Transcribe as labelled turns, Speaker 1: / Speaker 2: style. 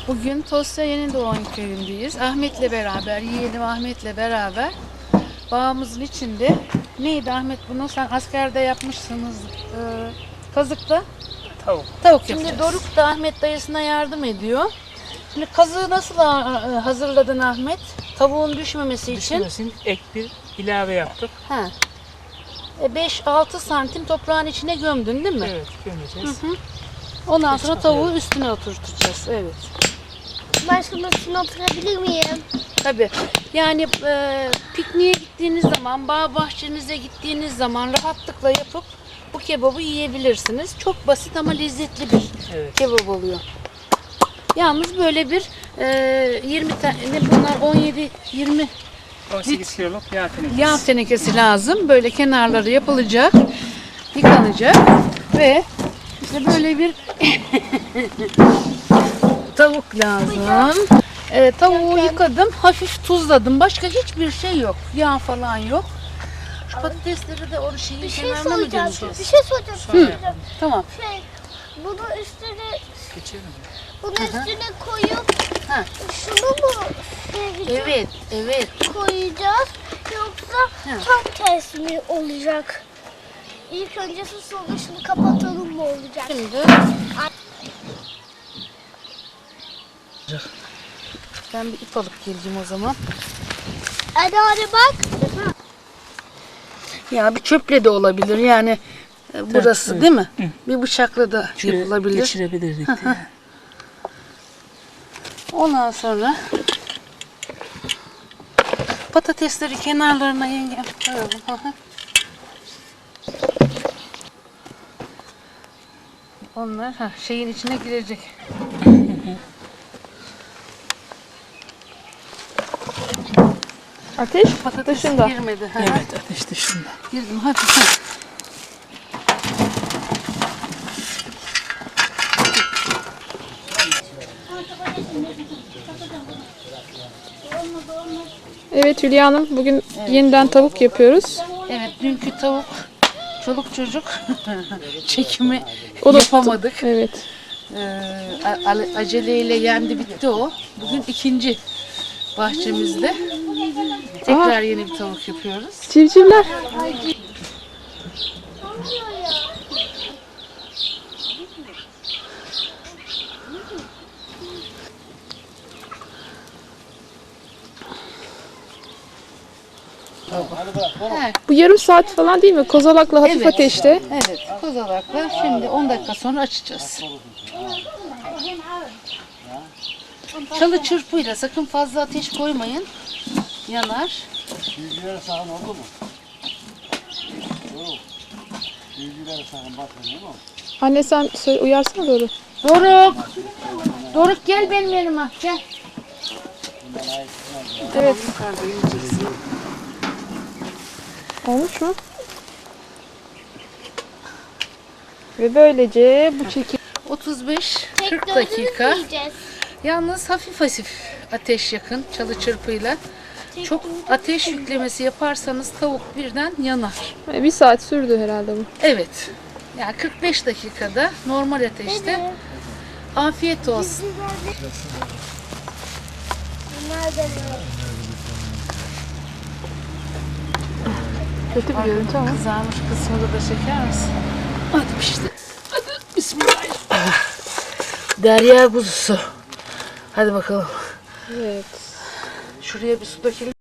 Speaker 1: Bugün Tosya Yenidoğan köyündeyiz. Ahmet'le beraber, yeğenim Ahmet'le beraber bağımızın içinde. Neydi Ahmet bunu? Sen askerde yapmışsınız. Kazıkta tavuk yapacağız. Şimdi Doruk da Ahmet dayısına yardım ediyor. Şimdi kazığı nasıl hazırladın Ahmet? Tavuğun düşmemesi için.
Speaker 2: Düşmesin, ek bir ilave yaptık.
Speaker 1: 5-6 santim toprağın içine gömdün değil mi?
Speaker 2: Evet, gömeceğiz.
Speaker 1: Ondan sonra tavuğu üstüne oturtacağız. Evet.
Speaker 3: Ben şunun üstüne oturabilir miyim?
Speaker 1: Tabii. Yani pikniğe gittiğiniz zaman, bağ bahçenize gittiğiniz zaman rahatlıkla yapıp bu kebabı yiyebilirsiniz. Çok basit ama lezzetli bir kebap oluyor. Yalnız böyle bir 20 tane, bunlar 17-20
Speaker 2: 18 kiloluk yağ
Speaker 1: yağ tenekesi lazım. Böyle kenarları yapılacak, yıkanacak ve işte böyle bir tavuk lazım. Tavuğu yıkadım, hafif tuzladım. Başka hiçbir şey yok. Yağ falan yok. Şu patatesleri de o şeyin kenarına mı gömeceğiz?
Speaker 3: Bir şey soracağım.
Speaker 1: Tamam.
Speaker 3: Bunu üstüne
Speaker 2: geçelim.
Speaker 3: Bunu üstüne koyup şunu mu
Speaker 1: Evet.
Speaker 3: koyacağız yoksa tam ters mi olacak? İlk önce sonra şunu kapatalım mı olacak?
Speaker 1: Şimdi ben bir ip alıp geleceğim o zaman.
Speaker 3: Hadi bak.
Speaker 1: Ya bir çöple de olabilir yani burası değil mi? Bir bıçakla da yapılabilir.
Speaker 2: Geçirebilirdik.
Speaker 1: Ondan sonra patatesleri kenarlarına yengem koyalım. Onlar şeyin içine girecek.
Speaker 4: Ateş
Speaker 1: Patates
Speaker 4: dışında.
Speaker 1: girmedi.
Speaker 2: Evet, ateş dışında.
Speaker 1: Girdim hadi.
Speaker 4: Evet Hülya Hanım, bugün yeniden tavuk yapıyoruz.
Speaker 1: Evet, dünkü tavuk çoluk çocuk çekimi
Speaker 4: O da
Speaker 1: yapamadık.
Speaker 4: Evet.
Speaker 1: Aceleyle yendi bitti o. Bugün ikinci bahçemizde. Tekrar yeni bir tavuk yapıyoruz.
Speaker 4: Civcivler. Bu yarım saat falan değil mi? Kozalakla hafif ateşte.
Speaker 1: Evet, kozalakla. Şimdi 10 dakika sonra açacağız. Çalı çırpıyla sakın fazla ateş koymayın. Yanar.
Speaker 5: Bilgilere sakın oldu mu? Doğru. Bilgilere sakın bakın değil mi?
Speaker 4: Anne sen uyarsana doğru.
Speaker 1: Doruk! Doruk gel benim yanıma. Gel.
Speaker 4: Evet.
Speaker 1: Yukarıda yiyeceksin.
Speaker 4: Olmuş mu? Ve böylece bu çekim
Speaker 1: 35-40 dakika.
Speaker 3: Yiyeceğiz.
Speaker 1: Yalnız hafif ateş yakın çalı çırpıyla. Çok ateş yüklemesi yaparsanız tavuk birden yanar.
Speaker 4: bir saat sürdü herhalde bu.
Speaker 1: Evet. Yani 45 dakikada normal ateşte. Afiyet olsun.
Speaker 3: Nerede?
Speaker 4: Kötü bir görüntü ama.
Speaker 1: Kızarmış kısmını da çeker misin? Hadi pişti. Hadi bismillah. Derya kuzusu. Hadi bakalım.
Speaker 4: Evet.
Speaker 1: Şuraya bir su dökelim